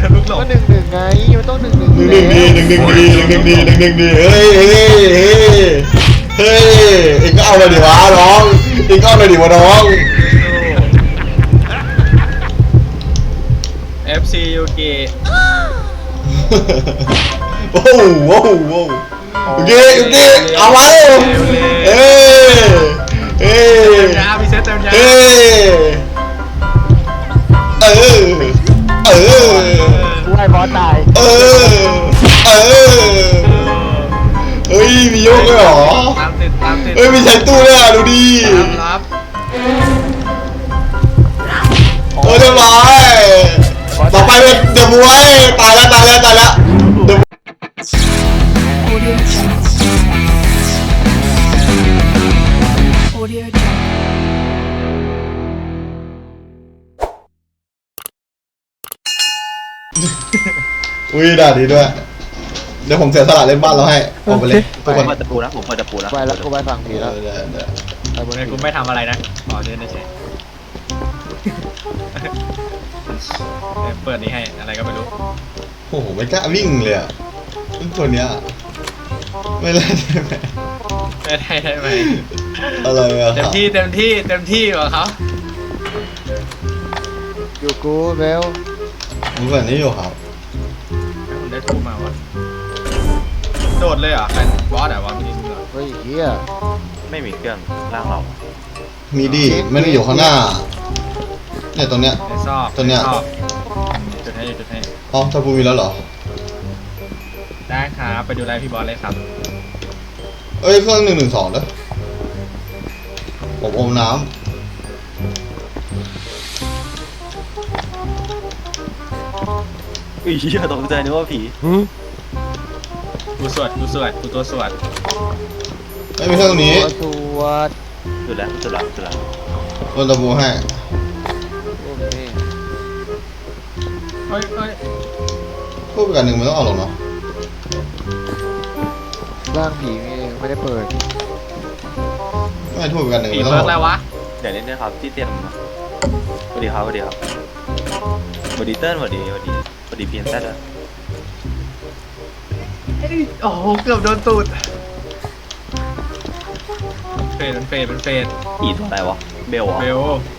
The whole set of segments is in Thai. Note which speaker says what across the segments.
Speaker 1: มันลุกหล
Speaker 2: ก็
Speaker 1: ง
Speaker 2: 1-1ไงมันต้อง1-1
Speaker 3: หนึ่งดีเฮ้ยเองก็เอาเลยดิวะน้องเองก็เอาเลยดิวะน้อง
Speaker 1: FC ยูกิ
Speaker 3: โอ้โหโอเคเอาไว้เอ้
Speaker 1: เต็มยาพี่เซตเต็มยา
Speaker 2: กูให้บอสตาย
Speaker 3: เฮ้ยมีโยกด้วยหรอ
Speaker 1: ตามติด
Speaker 3: เฮ้ยมีใช้ตู้ด้วยอ่ะดูดิ
Speaker 1: รับ
Speaker 3: เรียบร้อยต่อไปเป็นเดอะมวยตายแล้วเดอะอุ้ยด่าดีด้วยเดี๋ยวผมเสียสละเล่นบ้านเราให้ออกไปเลยทุกคน
Speaker 4: เปิดตะปูนะผมเปิดตะปูนะ
Speaker 2: ไปแล้วกูไปฝั่งผีแล้ว
Speaker 1: ไอ้บนนี้กูไม่ทำอะไรนะขอเดินเฉยเปิดนี้ให้อะไรก็ไม่รู้
Speaker 3: โอ้โหไม่กล้าวิ่งเลยอ่ะตัวเนี้ยไม่เล่นได้ไหม
Speaker 1: ได้ไหม
Speaker 3: อะไรอ่ะ
Speaker 1: เต็มที่กว่าเขา
Speaker 2: อยู่กูเบล
Speaker 3: ผมแบบนี้อยู่ครับ
Speaker 1: ผมได้ทูมาวะโดดเลยเหรอเป็นบอสเหรอวะพี่นี่เหรอ
Speaker 2: เฮ้ยเฮีย
Speaker 4: ไม่มีเครื่องล่างเรา
Speaker 3: มีดิไม่ได้อยู่ข้างหน้าเนี่ยตัวเนี้ย
Speaker 1: ในซอก
Speaker 3: ตัวเนี้ย
Speaker 1: จุดให้
Speaker 3: อ๋อถ้าพูมีแล้วเหรอ
Speaker 1: ได้ครับไปดูไลฟ์พี่บอสเลยครับ
Speaker 3: เอ้ยเครื่อง112นะผมอมน้
Speaker 4: อุ้ยเหี้ยตกใจนึกว่าผี
Speaker 1: กูตัวสวด
Speaker 3: ำไม่มีเครื่องตรงนี้
Speaker 2: สวด
Speaker 4: สุดแล้ว
Speaker 3: โดนตะบูให้
Speaker 2: โอเค
Speaker 1: เฮ้ย
Speaker 3: พูดไปกันหนึ่งมันต้องเอาหรอกเนาะ
Speaker 2: ร่างผีมีเองไม่ได้เปิด
Speaker 3: ไม่พูดไปกันหนึ่ง
Speaker 1: ผี
Speaker 3: มันต้อง
Speaker 1: เบิร์ก
Speaker 3: เอา
Speaker 1: แล้ววะ
Speaker 4: เดี๋ยวเล่นด้วยครับที่เตียงมาสวัสดีครับสวัสดีเติ้ลสวัสดีเพียนแท้ด้วย
Speaker 1: โอ้โหเกือบโดนตูดเฟด
Speaker 4: ผีตัวอะไรวะเบลวะ
Speaker 1: เบล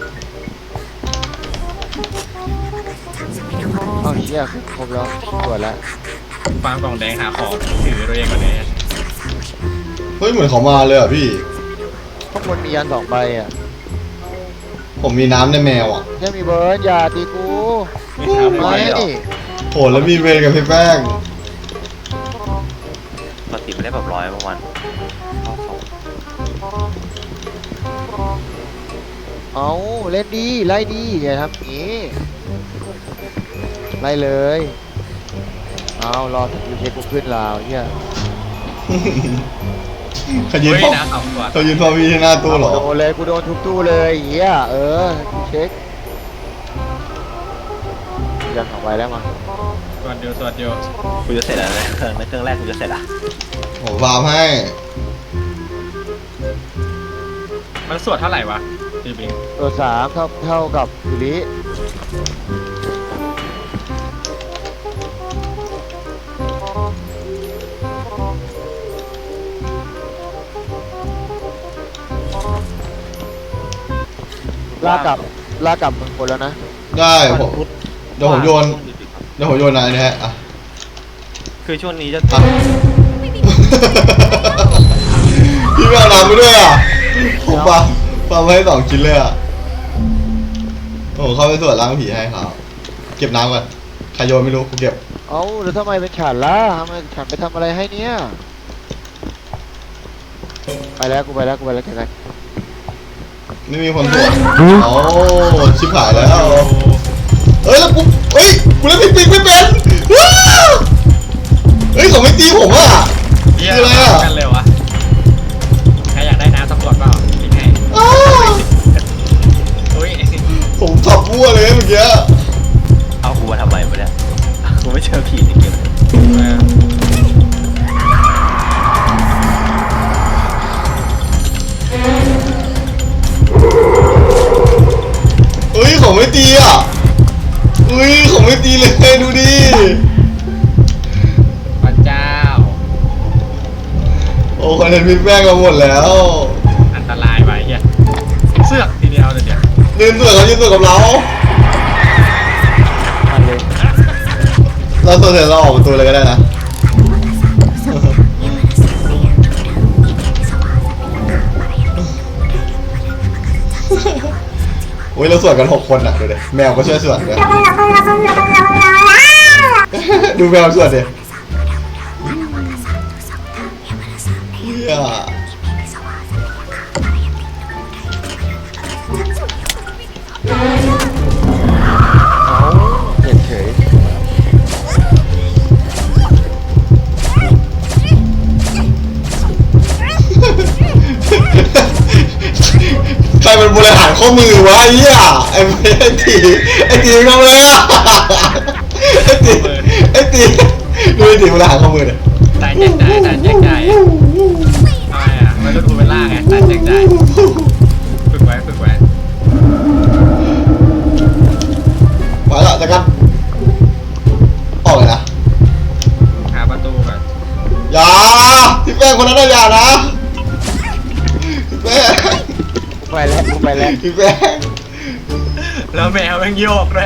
Speaker 2: เอาเฮียครบแล้วตรวจแล้ว
Speaker 1: ฟาร์มกล่องแดงหาของถือตัวเองก่อนเลย
Speaker 3: เฮ้ยเหมือนเขามาเลยอ่ะพี่
Speaker 2: ข้างบนมียัน2 ใบอ่ะ
Speaker 3: ผมมีน้ำในแมวอ่ะ
Speaker 2: ยังมีเบิร์ดอย่าตีกู
Speaker 1: ไม่ทำ
Speaker 2: ไม่
Speaker 1: ไม่ได้
Speaker 2: ดิ
Speaker 3: โหแล้วมีเวรกับพี่แป้ง
Speaker 4: ปกติไม่ได้แบบ100ประมาณ
Speaker 2: เอาเล่นดีไล่ดีอย่าทำอย่างนี้ไล่เลยเอารอสกิลเช็คกูขึ้นแล้วเฮีย
Speaker 3: เขายืน
Speaker 1: เฮ้ย
Speaker 3: พอ
Speaker 1: นะขำก่อน
Speaker 3: เขายืนพอมีที่หน้าตู้เหรอ
Speaker 2: โดนเลยกูโดนทุกตู้เลยเฮียเช็คยัน2 ใบแล้วมา
Speaker 1: สวดเดียว
Speaker 4: กูจะเสร็จแล้วนะเครื่องแรกกูจะเสร็จละ
Speaker 3: ผมฟาร์มให้
Speaker 1: มันสวดเท่าไหร่วะพี่บิง
Speaker 2: ตัว3เท่ากับยูริลากกลับมึงคนแล้วนะ
Speaker 3: ได้ผมเดี๋ยวผมโยนนะอันนี้ฮะอ่ะ
Speaker 4: คือช่วงนี้จะ
Speaker 3: อ่ะ พี่ไม่เอาน้ำไปด้วยอ่ะผมฟาร์มให้2 ชิ้นเลยอ่ะผมเข้าไปตรวจล้างผีให้ครับเก็บน้ำก่อนใครโยนไม่รู้กูเก็บ
Speaker 2: เอ้าแล้วทำไมเป็นฉันล่ะทำไมฉันไปทำอะไรให้เนี่ยไปแล้วกูไปแล้วแกกัน
Speaker 3: ไม่มีคนตรวจโอ้ชิบหายแล้วเฮ้ยแล้วกูเล่นปิ๊กไม่เป็นว้าวเฮ้ยเขาไม่ตีผมอ่ะ
Speaker 1: เยี่ย
Speaker 3: คืออะไรอ่ะ
Speaker 1: กันเลยวะใครอยากได้น้ำสปอร์ตเปล่าลิงให้
Speaker 3: อ้าว
Speaker 1: อุ้ย
Speaker 3: ผมขับวัวเลยเมื่อกี้
Speaker 4: เอากูมาทำไมวะเนี่ยกูไม่เจอผีในเกม
Speaker 3: เฮ้ยเขาไม่ตีอ่ะอุ้ยของไม่ตีเลยดูดิ
Speaker 1: พระเจ้า
Speaker 3: โอ้คอนเทนต์พี่แป้งเราหมดแล้ว
Speaker 1: อันตรายไปเฮียเสือกทีเดียวเลยเดี๋ยว
Speaker 3: ยืนเสือกเขายืนเสือกกับเรา
Speaker 2: มาเลย
Speaker 3: เราตัวเสร็จเราออกประตูเลยก็ได้นะโอ้ยเราสวดกัน6 คนอ่ะดูดิแมวก็ช่วยสวดด้วยดูแมวสวดดิเฮีย
Speaker 2: เอาเฉย
Speaker 3: ใครเป็นบริหารข้อมือวะไอ้เหี้ยไอ้ตีเข้ามาเลยอ่ะไอ้ตีดูไอ้ตีบริหารข้อมือเนี่ย
Speaker 1: ตายแจกจ่ายตายแจกจ่ายทำไมอ่ะมันก็ดูเป็นล่าไงตายแจกจ่ายฝึกไว้ฝึกไว้
Speaker 3: มาแล้วจะกันออกเลยนะ
Speaker 1: หาประตูก่อน
Speaker 3: อย่าพี่แป้งคนนั้นนะอย่านะพี่แป้ง
Speaker 2: ๆกูไปแล้วกูไปแล้ว
Speaker 3: พี่แป้ง
Speaker 1: แล้วแมวมันโยกเลย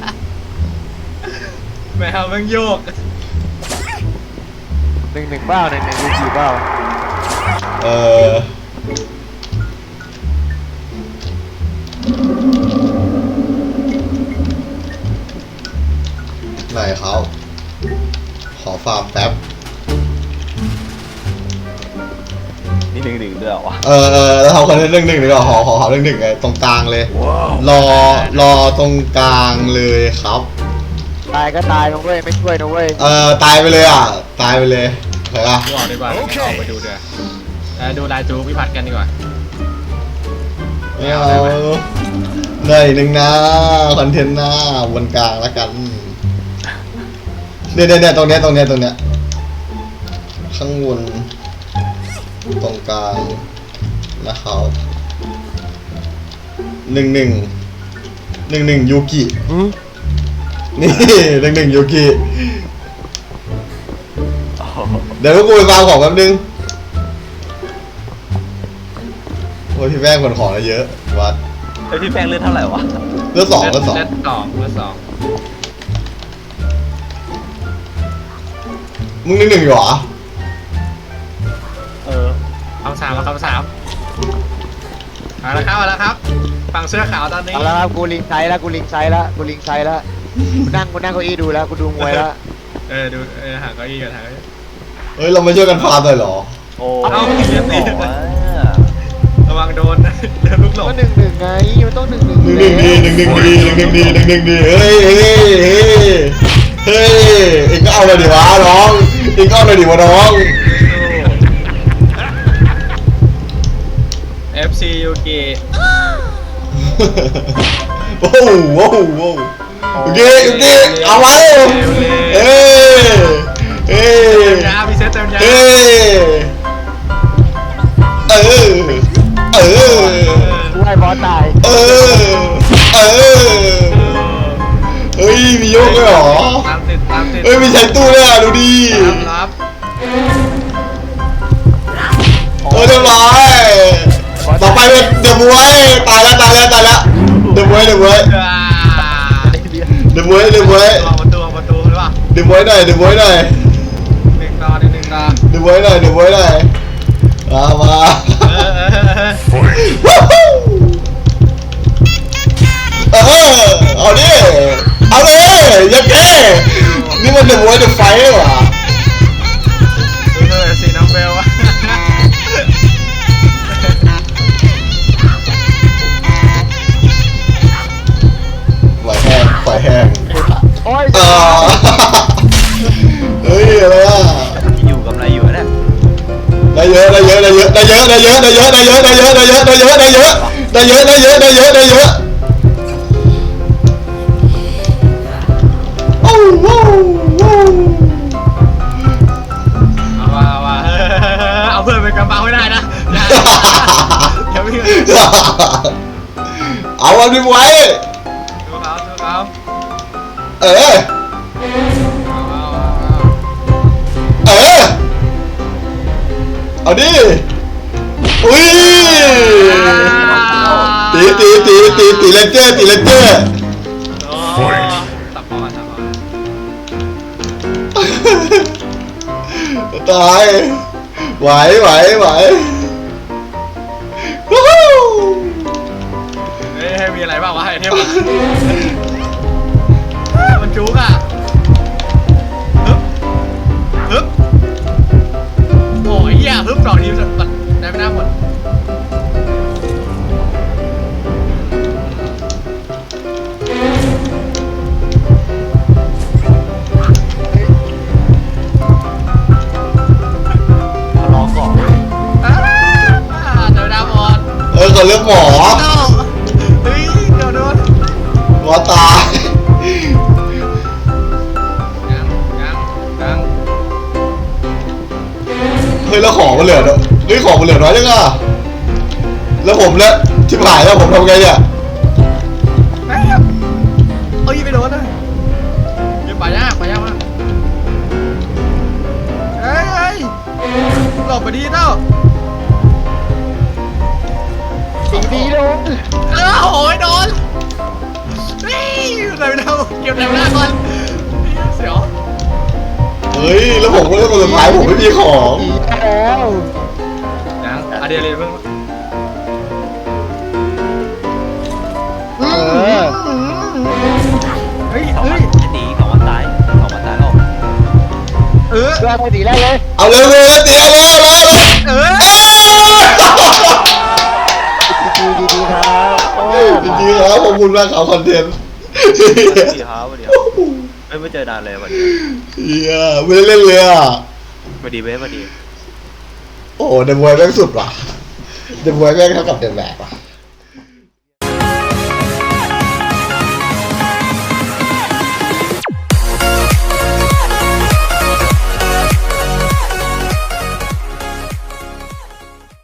Speaker 1: แมวมันโยก
Speaker 2: 1-1เปล่า1-1ดูกี่เปล่า
Speaker 3: เออไหนเขาขอฟาร์มแป๊บ
Speaker 4: นี่1-1ด้วยเหรอวะ
Speaker 3: แล้วเขาคนเรื่องหนึ่งดีกว่าขอเรื่องหนึ่งไงตรงกลางเลย รอตรงกลางเลยครับ
Speaker 2: ตายก็ตายนะเว้ยไม่ช่วยนะเว้ย
Speaker 3: ตายไปเลยอ่ะตายไปเลยเห็นปะ
Speaker 1: ดูออกดีกว่าออกไปดูด้วยดูลายจูพิพัฒน์กันดีกว่า
Speaker 3: ไม่เอาเหนื่อยหนึ่งนะคอนเทนต์หน้าบนกลางแล้วกันเนี่ยตรงเนี้ยข้างบนตรงกลางนะครับ11ยูกินี่11ยูกิเดี๋ยวกูไปฟาร์มของแป๊บนึงโอ้ยพี่แป้งขนของเยอะวัด
Speaker 4: เฮ้ยพี่แป้งเลือดเท่าไหร่วะ
Speaker 3: เลือดสอง
Speaker 1: เลือดสอง
Speaker 3: มึง1อยู่เหรอ
Speaker 1: คำสามแล้วคำสามมาแล้วครับฝั่งเสื้อขาวตอนนี้
Speaker 2: เอาละครับกูลิงไซด์แล้วกูลิงไซด์แล้วกูนั่งเก้าอี้ดูแล้วกูดูมวยแล้ว
Speaker 1: ดูหาเก้าอี้กันหาเก้าอี้
Speaker 3: เฮ้ยเราไม่ช่วยกันฟาร์มเลยเหรอ
Speaker 4: โอ้
Speaker 1: เอ้า
Speaker 4: เรียบร้อยว่ะ
Speaker 1: ระวังโดนลูกหลง
Speaker 2: ก็1-1ไงมันต้อง1-1
Speaker 3: 1-1ดีเฮ้ยเอ็งก็เอาเลยดิวะน้องเอ็งก็เอาเลยดิวะน้อง
Speaker 1: FC ยูกิ
Speaker 3: โอ้โหโอเคเอาไว้เฮ้
Speaker 1: เต็มยาพี่เซตเต็มยา
Speaker 3: เฮ้
Speaker 2: กูให้บอสตาย
Speaker 3: เฮ้ยมีโยกด้วยเหรอ
Speaker 1: ตามติด
Speaker 3: เฮ้ยมีใช้ตู้ด้วยอ่ะดูดิ
Speaker 1: รับ
Speaker 3: เรียบร้อยต่อไปเป็นเดอะมวยตายแล้วเดอะมวย
Speaker 1: ประตูหรือเปล่า
Speaker 3: เดอะมวยหน่อย
Speaker 1: 1 ต่อ
Speaker 3: เดอะมวยหน่อย
Speaker 1: 1 ต่อ
Speaker 3: เดอะมวยหน่อยมาเอาดิเอาเลยยังแกนี่มันเดอะมวยเดอะไฟเหรอ
Speaker 1: สีน้ำเบลวะ
Speaker 3: ปล่อยแห้ง
Speaker 2: โอ้ย
Speaker 3: เฮ้ยอะไรอ่ะ
Speaker 4: อยู่กำไรอยู่นะ
Speaker 3: ได้เยอะโอ้โห
Speaker 1: เอาเพื่อนเป็นกระเป๋าไม่ได้นะอย่าวิ่ง
Speaker 3: เอาอันนี้ไว้
Speaker 1: ดูเขา
Speaker 3: เออ เออ เอาดิ อุ้ย ตีเลนเจอร์ตีเลนเจอร์
Speaker 1: โอ้ตับพอตับพอ
Speaker 3: ตาย ไหววู้ฮู้
Speaker 1: เฮ้ยให้มีอะไรบ้างวะไอเทมอะมันจุกอ่ะฮึบโอ้ยเหี้ยฮึบดอกนี้มันได้ไม่น่าหมด
Speaker 2: รอก่อน
Speaker 1: เดี๋ยวดาวหมด
Speaker 3: เขาเลือกหมอ
Speaker 1: เฮ้ยเดี๋ยวโดน
Speaker 3: หมอตาย
Speaker 1: ยัง
Speaker 3: เฮ้ยแล้วของมันเหลือน้อยเฮ้ยของมันเหลือน้อยจังอะแล้วผมแล้วชิบหายแล้วผมทำไงเนี่ย
Speaker 1: เอ้ยไปโดนเลยยังไปยากมากเฮ้ยหลบไปดีเต้า
Speaker 2: ดีลง
Speaker 1: โอ้ยโดนนี่อะไรไม่ได้เก็บแถวหน้าก่อนเสียว
Speaker 3: เฮ้ยแล้วผมก็เลือกคนสุดท้ายผมไม่มีของ
Speaker 2: ดีแล้ว
Speaker 1: ยังอะเดียเลยเพิ่ง
Speaker 2: เออ
Speaker 1: เฮ้ย
Speaker 4: 2 วันจะหนี2 วันตาย2 วันตายแล้ว
Speaker 1: เออ
Speaker 2: เพื่อนไม่ดีแล้วเลย
Speaker 3: เอาเลยตีเอาเลย
Speaker 1: เออ
Speaker 2: ดีครับโอ้
Speaker 3: จริงๆครับขอบคุณมากครับคอนเทนต์
Speaker 4: สวัสดีครับสวัสดีครับไม่เจอนานเลยวันนี้
Speaker 3: เฮียไม่ได้เล่นเลยอ่ะ
Speaker 4: สวัสดีเว้ยสวัสดี
Speaker 3: โอ้เดมวยแม่งสุดว่ะเดมวยแม่งเท่ากับเดมแบกว่ะ